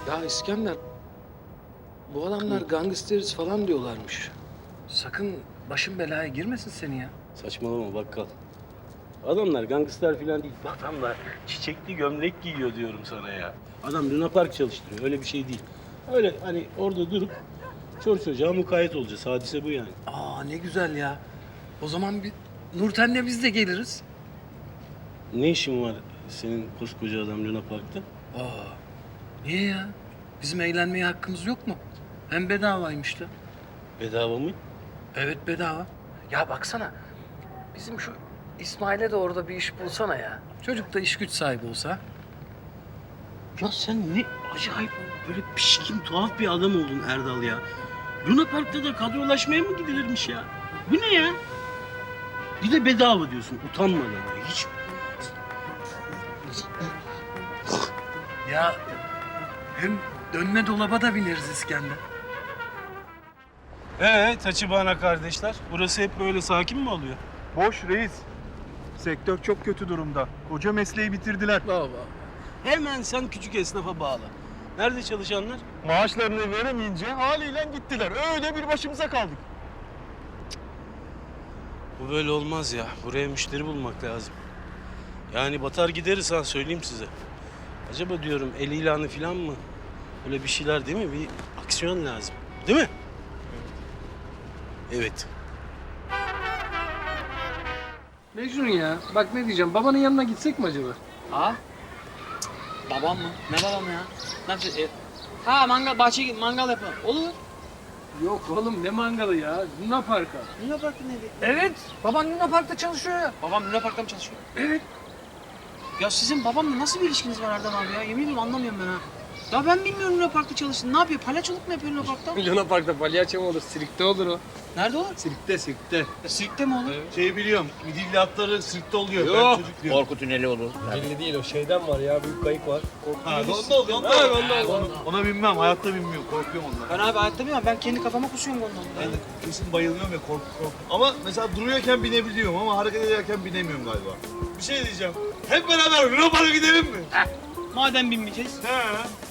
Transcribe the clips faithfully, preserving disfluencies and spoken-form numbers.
Ya İskender, bu adamlar gangsteriz falan diyorlarmış. Sakın başın belaya girmesin seni ya. Saçmalama bakkal. Adamlar gangster falan değil. Adamlar çiçekli gömlek giyiyor diyorum sana ya. Adam Luna Park çalıştırıyor. Öyle bir şey değil. Öyle hani orada durup çor çocuğa mukayyet olacağız. Hadise bu yani. Aa ne güzel ya. O zaman bir Nurten'le biz de geliriz. Ne işin var senin koskoca adam Luna Park'ta? Aa niye ya? Bizim eğlenmeye hakkımız yok mu? Hem bedavaymış da. Bedava mı? Evet bedava. Ya baksana. Bizim şu İsmail'e de orada bir iş bulsana ya. Çocuk da iş güç sahibi olsa. Ya sen ne acayip böyle pişkin tuhaf bir adam oldun Erdal ya. Luna Park'ta da kadrolaşmaya mı gidilirmiş ya? Bu ne ya? Bir de bedava diyorsun utanmadan ya. Hiç Ya hem dönme dolaba da bineriz İskender. Ee Taçibana kardeşler, burası hep böyle sakin mi oluyor? Boş reis. Sektör çok kötü durumda. Koca mesleği bitirdiler. Baba. Hemen sen küçük esnafa bağla. Nerede çalışanlar? Maaşlarını veremeyince haliyle gittiler. Öyle bir başımıza kaldık. Bu böyle olmaz ya. Buraya müşteri bulmak lazım. Yani batar gideriz ha söyleyeyim size. Acaba diyorum el ilanı falan mı? Öyle bir şeyler değil mi? Bir aksiyon lazım. Değil mi? Evet. Mecnun ya. Bak ne diyeceğim. Babanın yanına gitsek mi acaba? Ha? Babam mı? Ne babam ya? Ne yapacağız? E, ha mangal, bahçeye mangal yapalım. Olur. Yok oğlum ne mangalı ya. Luna Park'a. Luna Park'ta neydi? Evet. Baban Luna Park'ta çalışıyor ya. Babam Luna Park'ta mı çalışıyor? Evet. Ya sizin babamla nasıl bir ilişkiniz var Erdem abi ya? Yemin ediyorum anlamıyorum ben ha. Ya ben bilmiyorum Luna Park'ta çalıştığını. Ne yapıyor? Palyaçoluk mu yapıyor Luna Park'ta? Luna Park'ta palyaço mu olur? Sirkte olur o. Nerede o? Sirkte, sirkte. Ya, sirkte mi olur? Şeyi biliyorum. Midilli atları sırtta oluyor. Yok. Ben çocuk diyorum. Korku tüneli olur. Belli değil o şeyden var ya. Büyük kayık var. Ha, onda oluyor. Onda Ha, oluyor. onda oluyor. Ona, ona binmem. Hayatta binmiyorum. Korkuyorum ondan. Ben abi hayatta bilmiyorum. Ben kendi kafama kusuyorum ondan. Ben de kesin bayılıyorum ya korku korku. Ama mesela duruyorken binebiliyorum ama hareket ederken binemiyorum galiba. Bir şey diyeceğim. Hep beraber Luna Park'a gidelim mi? Madem binmeyeceğiz. He.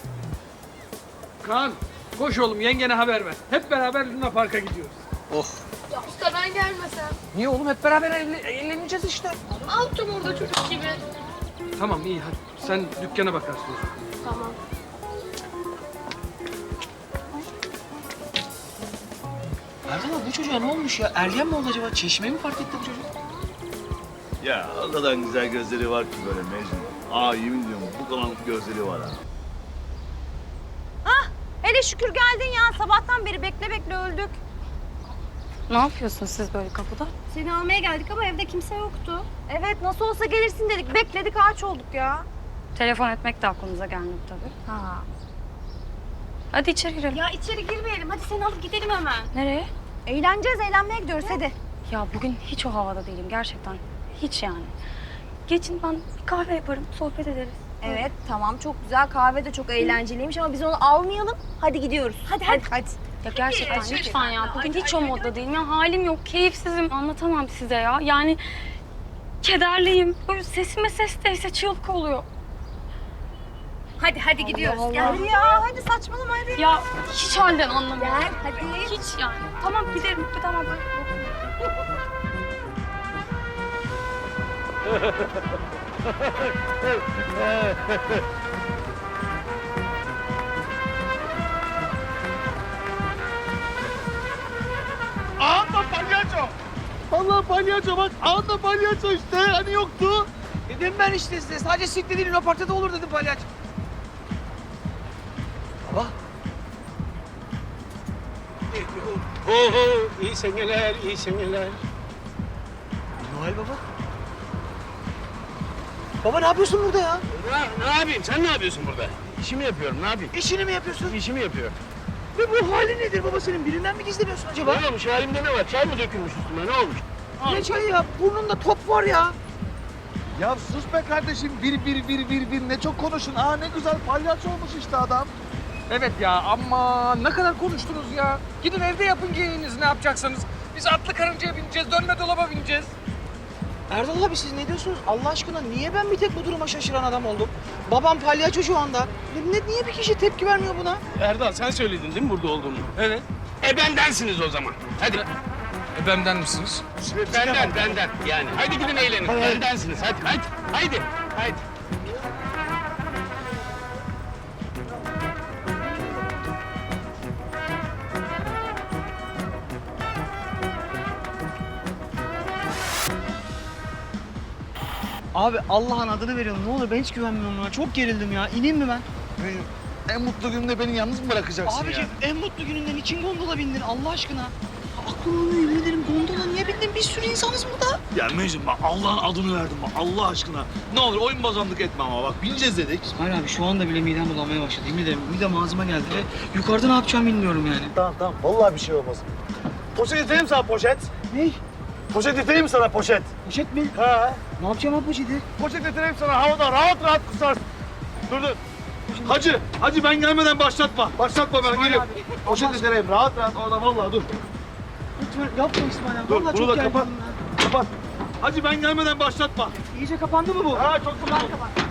Kaan, koş oğlum yengene haber ver. Hep beraber Luna Park'a gidiyoruz. Ya usta ben gelmesem. Niye oğlum? Hep beraber eğlen- eğleneceğiz işte. Alttım orada çocuk gibi. Tamam iyi hadi. Sen dükkana bakarsın. Tamam. Erdem abi bu çocuğa ne olmuş ya? Ergen mi oldu acaba? Çeşmeyi mi fark etti bu çocuk? Ya o kadar güzel gözleri var ki böyle Mecnun. Aa yemin ediyorum bu kadar gözleri var ha. Hele şükür geldin ya. Sabahtan beri bekle bekle öldük. Ne yapıyorsunuz siz böyle kapıda? Seni almaya geldik ama evde kimse yoktu. Evet nasıl olsa gelirsin dedik. Bekledik ağaç olduk ya. Telefon etmek de aklınıza gelmedi tabii. Ha. Hadi içeri girelim. Ya içeri girmeyelim. Hadi seni alıp gidelim hemen. Nereye? Eğleneceğiz, eğlenmeye gidiyoruz hadi. Ya bugün hiç o havada değilim gerçekten. Hiç yani. Geçin ben bir kahve yaparım, sohbet ederiz. Evet tamam çok güzel. Kahve de çok eğlenceliymiş ama biz onu almayalım. Hadi gidiyoruz. Hadi hadi. Hadi. Ya gerçekten lütfen ya. Bugün hiç o modda değilim. Ya halim yok, keyifsizim. Anlatamam size ya. Yani kederliyim. Böyle sesime ses değse çığlık oluyor. Hadi hadi gidiyoruz. Allah. Gel ya hadi saçmalama hadi. Ya hiç halden anlamıyorum. Gel hadi. Hiç yani. Tamam giderim. Tamam. Ağında palyaço. Allah palyaço bak. Ağında palyaço işte. Hani yoktu. Dedim ben işte size. Sadece sirkte değil Luna Park'ta da olur dedim palyaço. Oho iyi seneler, iyi seneler. Noel Baba. Baba ne yapıyorsun burada ya? Ne, ne yapayım? Sen ne yapıyorsun burada? İşimi yapıyorum, ne yapayım? İşini mi yapıyorsun? İşimi yapıyorum. Ve bu hali nedir baba senin? Birinden mi gizleniyorsun acaba? Ne olmuş? Halimde ne var? Çay mı dökülmüş üstüme? Ne olmuş? Ne çayı ya? Burnunda top var ya. Ya sus be kardeşim. Bir bir bir bir bir ne çok konuşun. Aa ne güzel palyaço olmuş işte adam. Evet ya ama ne kadar konuştunuz ya. Gidin evde yapın geyiğinizi ne yapacaksanız. Biz atlı karıncaya bineceğiz, dönme dolaba bineceğiz. Erdal abi siz ne diyorsunuz? Allah aşkına niye ben bir tek bu duruma şaşıran adam oldum? Babam palyaço şu anda. Ne, niye bir kişi tepki vermiyor buna? Erdal sen söyledin değil mi burada olduğunu? Evet. E bendensiniz o zaman. Hadi. E, benden misiniz? Benden, benden. Yani hadi gidin eğlenin. Bendensiniz. Hadi, hadi. Haydi. Haydi. Abi Allah'ın adını veriyorum. Ne olur ben hiç güvenmiyorum buna. Çok gerildim ya. İneyim mi ben? Benim en mutlu günümde beni yalnız mı bırakacaksın Abiciğim ya? en mutlu gününden için gondola bindin Allah aşkına. Aklım almıyor yemin ederim gondola niye bindin? Bir sürü insanız burada. Ya Mecnun bak Allah'ın adını verdim bak Allah aşkına. Ne olur oyun bozanlık etme ama bak bineceğiz dedik. İsmail abi şu anda bile midem bulanmaya başladı. Yemin ederim midem ağzıma geldi ve yukarıda ne yapacağımı bilmiyorum yani. Tamam tamam vallahi bir şey olmaz. Poşet getireyim sana poşet. Ne? Poşet getireyim sana poşet. Poşet mi? Ha. Ne yapacağım abi poşeti? Poşet getireyim sana havada rahat rahat kusarsın. Dur dur. Hacı, hacı ben gelmeden başlatma. Başlatma ben geliyorum. Poşet getireyim rahat rahat orada vallahi dur. Lütfen yapma İsmail abi. Dur, Vallahi bunu çok da gerginim kapat. ya. Kapat. Hacı ben gelmeden başlatma. İyice kapandı mı bu? Ha çok güzel.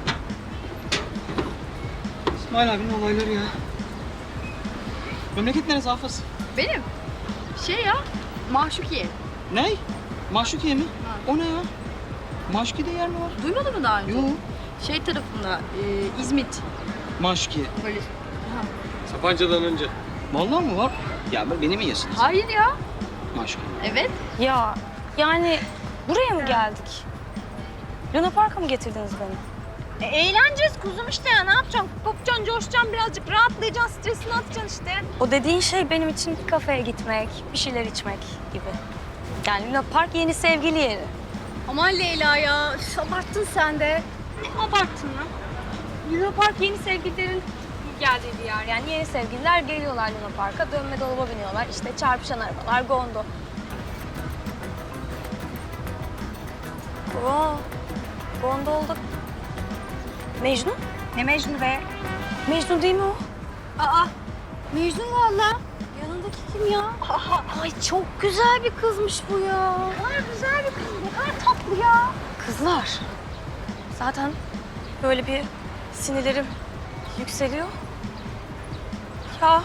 İsmail abinin olayları ya. Memleket neresi Hafız? Benim şey ya Mahşukiye. Ne? Maşukiye mi? O ne ya? Maşukiye'de yer mi var? Duymadın mı daha önce? Yok. Şey tarafında e, İzmit. Maşukiye. Böyle. Sapanca'dan önce. Vallahi mi var? Ya beni mi yesiniz? Hayır ya. Maşukiye. Evet. Ya yani buraya mı geldik? Luna Park'a mı getirdiniz beni? E, eğleneceğiz kuzum işte ya. Ne yapacaksın? Kopacaksın, coşacaksın birazcık. Rahatlayacaksın, stresini atacaksın işte. O dediğin şey benim için bir kafeye gitmek, bir şeyler içmek gibi. Yani Luna Park yeni sevgili yeri. Aman Leyla ya. Üf, abarttın sen de. Abarttın mı? Luna Park yeni sevgililerin geldiği bir yer. Yani yeni sevgililer geliyorlar Luna Park'a, dönme dolaba biniyorlar. İşte çarpışan arabalar, gondo. Oo, gondolda Mecnun? Ne Mecnun be? Mecnun değil mi o? Aa, Mecnun valla. Yanındaki kim ya? Ay çok güzel bir kızmış bu ya. Ne kadar güzel bir kız, ne kadar tatlı ya. Kızlar. Zaten böyle bir sinirlerim yükseliyor. Ya.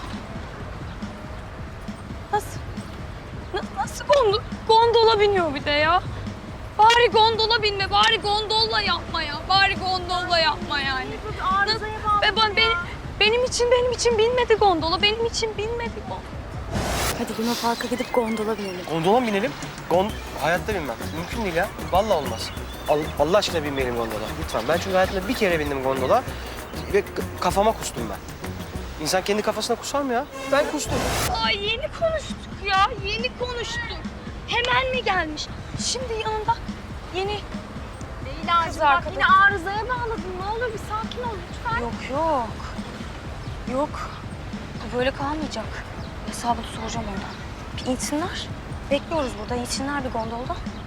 Nasıl? na- nasıl gondol gondola biniyor bir de ya? Bari gondola binme, bari gondolla yapma ya. Bari gondolla yapma yani. Arızaya bağlı. Ve ben, benim, benim için, benim için binmedi gondola. Benim için binmedi gondola. Hadi Luna Park'a gidip gondola binelim. Gondola mı binelim? Gon hayatta binmem. Mümkün değil ya. Vallahi olmaz. Al Allah aşkına binmeyelim gondola. Lütfen. Ben çünkü hayatımda bir kere bindim gondola ve k- kafama kustum ben. İnsan kendi kafasına kusar mı ya? Ben kustum. Ay yeni konuştuk ya, yeni konuştuk. Hemen mi gelmiş? Şimdi yanında yeni... Leyla'cığım Kız bak arkadaş. yine arızaya bağladın. Ne olur bir sakin ol lütfen. Yok yok. Yok. Bu böyle kalmayacak. Hesabını soracağım ondan. Bir insinler. Bekliyoruz burada. İnsinler bir gondolda.